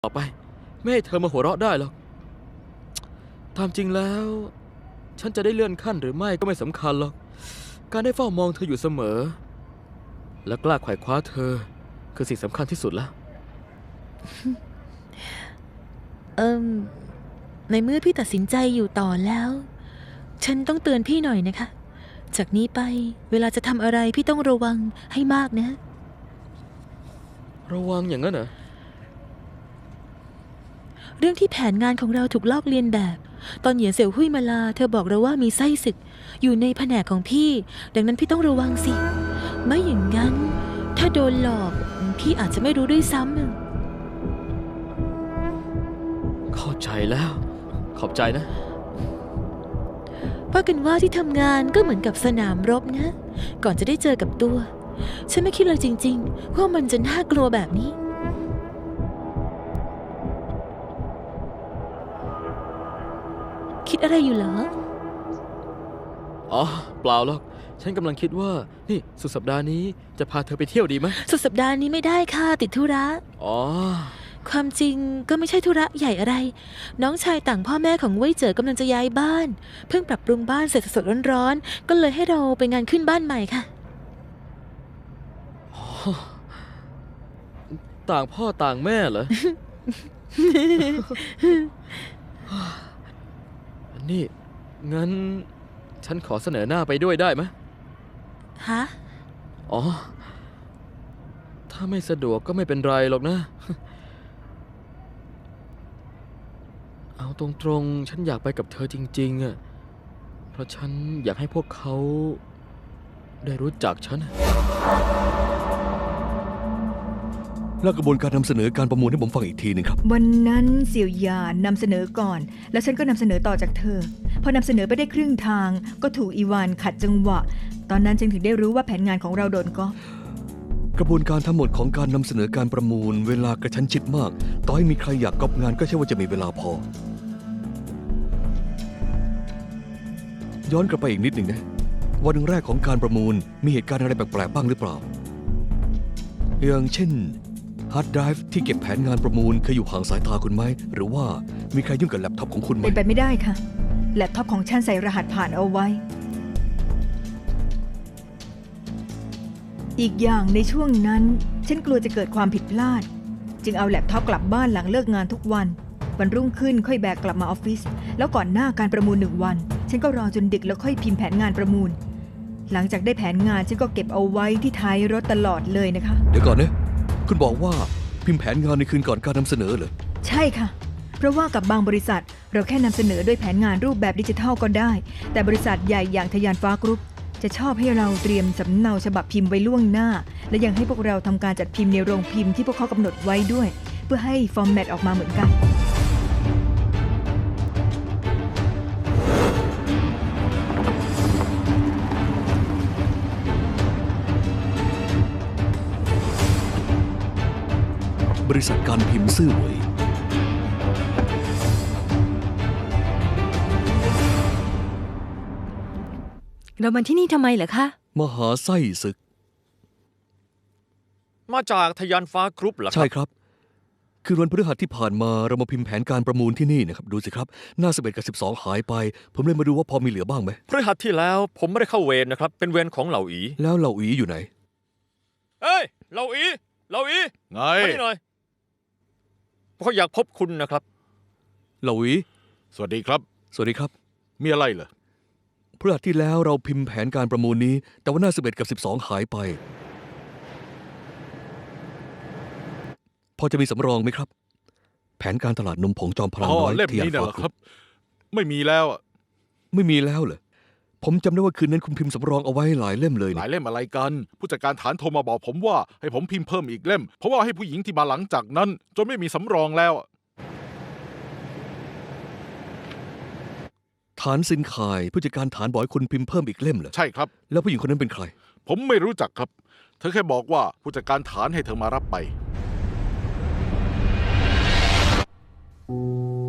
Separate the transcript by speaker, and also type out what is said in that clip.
Speaker 1: ต่อไปไม่ให้เธอมาหัวเราะได้หรอกตามจริงแล้วฉันจะได้เลื่อนขั้นหรือไม่ก็ไม่สำคัญหรอกการได้เฝ้ามองเธออยู่เสมอและกล้าไขว่คว้าเธอคือสิ่งสำคัญที่สุดแล้ว
Speaker 2: ในเมื่อพี่ตัดสินใจอยู่ต่อแล้วฉันต้องเตือนพี่หน่อยนะคะจากนี้ไปเวลาจะทำอะไรพี่ต้องระวังให้มากนะ
Speaker 1: ระวังอย่างนั้นเหรอ
Speaker 2: เรื่องที่แผนงานของเราถูกลอกเลียนแบบตอนเหยียนเสี่ยวหุ้ยมาลาเธอบอกเราว่ามีไส้ศึกอยู่ในแผนกของพี่ดังนั้นพี่ต้องระวังสิไม่อย่างนั้นถ้าโดนหลอกพี่อาจจะไม่รู้ด้วยซ้ำ
Speaker 1: เข้าใจแล้วขอบใจนะ
Speaker 2: ว่ากันว่าที่ทำงานก็เหมือนกับสนามรบนะก่อนจะได้เจอกับตัวฉันไม่คิดเลยจริงๆว่ามันจะน่ากลัวแบบนี้คิดอะไรอยู่เหรอ
Speaker 1: อ๋อเปล่าหรอกฉันกำลังคิดว่านี่สุดสัปดาห์นี้จะพาเธอไปเที่ยวดีไหม
Speaker 2: สุดสัปดาห์นี้ไม่ได้ค่ะติดธุระ
Speaker 1: อ๋อ
Speaker 2: ความจริงก็ไม่ใช่ธุระใหญ่อะไรน้องชายต่างพ่อแม่ของเว่ยเจ๋อกำลังจะย้ายบ้านเพิ่งปรับปรุงบ้านเสร็จสดๆร้อนๆก็เลยให้เราไปงานขึ้นบ้านใหม่ค่ะ
Speaker 1: ต่างพ่อต่างแม่เหรอ นี่งั้นฉันขอเสนอหน้าไปด้วยได้ไหม
Speaker 2: ฮะ
Speaker 1: อ๋อถ้าไม่สะดวกก็ไม่เป็นไรหรอกนะ เอาตรงๆฉันอยากไปกับเธอจริงๆอ่ะเพราะฉันอยากให้พวกเขาได้รู้จักฉัน
Speaker 3: แล้วกระบวนการนำเสนอการประมูลให้ผมฟังอีกทีหนึ่งครับ
Speaker 4: วันนั้นเสี่ยวหยานนำเสนอก่อนแล้วฉันก็นำเสนอต่อจากเธอพอนำเสนอไปได้ครึ่งทางก็ถูกอีวานขัดจังหวะตอนนั้นจึงถึงได้รู้ว่าแผนงานของเราโดนก๊อป
Speaker 3: กระบวนการทั้งหมดของการนำเสนอการประมูลเวลากระชั้นชิดมากต่อให้มีใครอยากก๊อปงานก็ใช่ว่าจะมีเวลาพอย้อนกลับไปอีกนิดหนึ่งนะวันแรกของการประมูลมีเหตุการณ์อะไรแปลกๆบ้างหรือเปล่าอย่างเช่นฮาร์ดไดรฟ์ที่เก็บแผนงานประมูลเคยอยู่ห่างสายตาคุณไหมหรือว่ามีใครยุ่งกับแล็ปท็อปของคุณไหม
Speaker 4: เป็นไปไม่ได้ค่ะแล็ปท็อปของฉันใส่รหัสผ่านเอาไว้อีกอย่างในช่วงนั้นฉันกลัวจะเกิดความผิดพลาดจึงเอาแล็ปท็อปกลับบ้านหลังเลิกงานทุกวันวันรุ่งขึ้นค่อยแบกกลับมาออฟฟิศแล้วก่อนหน้าการประมูล1 วันฉันก็รอจนดึกแล้วค่อยพิมพ์แผนงานประมูลหลังจากได้แผนงานฉันก็เก็บเอาไว้ที่ท้ายรถตลอดเลยนะคะ
Speaker 3: เดี๋ยวก่อนนะคุณบอกว่าพิมพ์แผนงานในคืนก่อนการนำเสนอเหรอ
Speaker 4: ใช่ค่ะเพราะว่ากับบางบริษัทเราแค่นำเสนอด้วยแผนงานรูปแบบดิจิทัลก็ได้แต่บริษัทใหญ่อย่างทยานฟ้ากรุ๊ปจะชอบให้เราเตรียมสำเนาฉบับพิมพ์ไว้ล่วงหน้าและยังให้พวกเราทำการจัดพิมพ์ในโรงพิมพ์ที่พวกเขากำหนดไว้ด้วยเพื่อให้ฟอร์แมตออกมาเหมือนกัน
Speaker 3: บริษัทการพิมพ์ซื่อเหวย
Speaker 2: เรามาที่นี่ทำไมเหรอคะ
Speaker 3: มหาไส้ศึก
Speaker 1: มาจากทยานฟ้ากรุ๊ปเหรอ
Speaker 3: ใช่ครับคือวันพฤหัสที่ผ่านมาเรามาพิมพ์แผนการประมูลที่นี่นะครับดูสิครับหน้า11 กับ 12หายไปผมเลยมาดูว่าพอมีเหลือบ้างไหม
Speaker 1: พฤหัสที่แล้วผมไม่ได้เข้าเวรนะครับเป็นเวรของเหล่าอี
Speaker 3: แล้วเหล่าอีอยู่ไหน
Speaker 1: เอ้ยเหล่าอี
Speaker 5: ไง
Speaker 1: มานี่หน่อยเขาอยากพบคุณนะครับ
Speaker 3: เหล่าอี
Speaker 5: สวัสดีครับ
Speaker 3: สวัสดีครับ
Speaker 5: มีอะไรเหรอ
Speaker 3: พฤหัสที่แล้วเราพิมพ์แผนการประมูลนี้แต่ว่าหน้า11 กับ 12หายไปพอจะมีสำรองไหมครับแผนการตลาดนมผงจอมพลังน้อย
Speaker 5: เล่มนี้เหรอครับไม่มีแล้ว
Speaker 3: ไม่มีแล้วเหรอผมจำได้ว่าคืนนั้นคุณพิมพ์สำรองเอาไว้หลายเล่มเลย
Speaker 5: หลายเล่มอะไรกันผู้จัดการฐานโทรมาบอกผมว่าให้ผมพิมพ์เพิ่มอีกเล่มเพราะว่าให้ผู้หญิงที่มาหลังจากนั้นจนไม่มีสำรองแล้ว
Speaker 3: ฐานซินคายผู้จัดการฐานบอกให้คุณพิมพ์เพิ่มอีกเล่มเหรอ
Speaker 5: ใช่ครับ
Speaker 3: แล้วผู้หญิงคนนั้นเป็นใคร
Speaker 5: ผมไม่รู้จักครับเธอแค่บอกว่าผู้จัดการฐานให้เธอมารับไป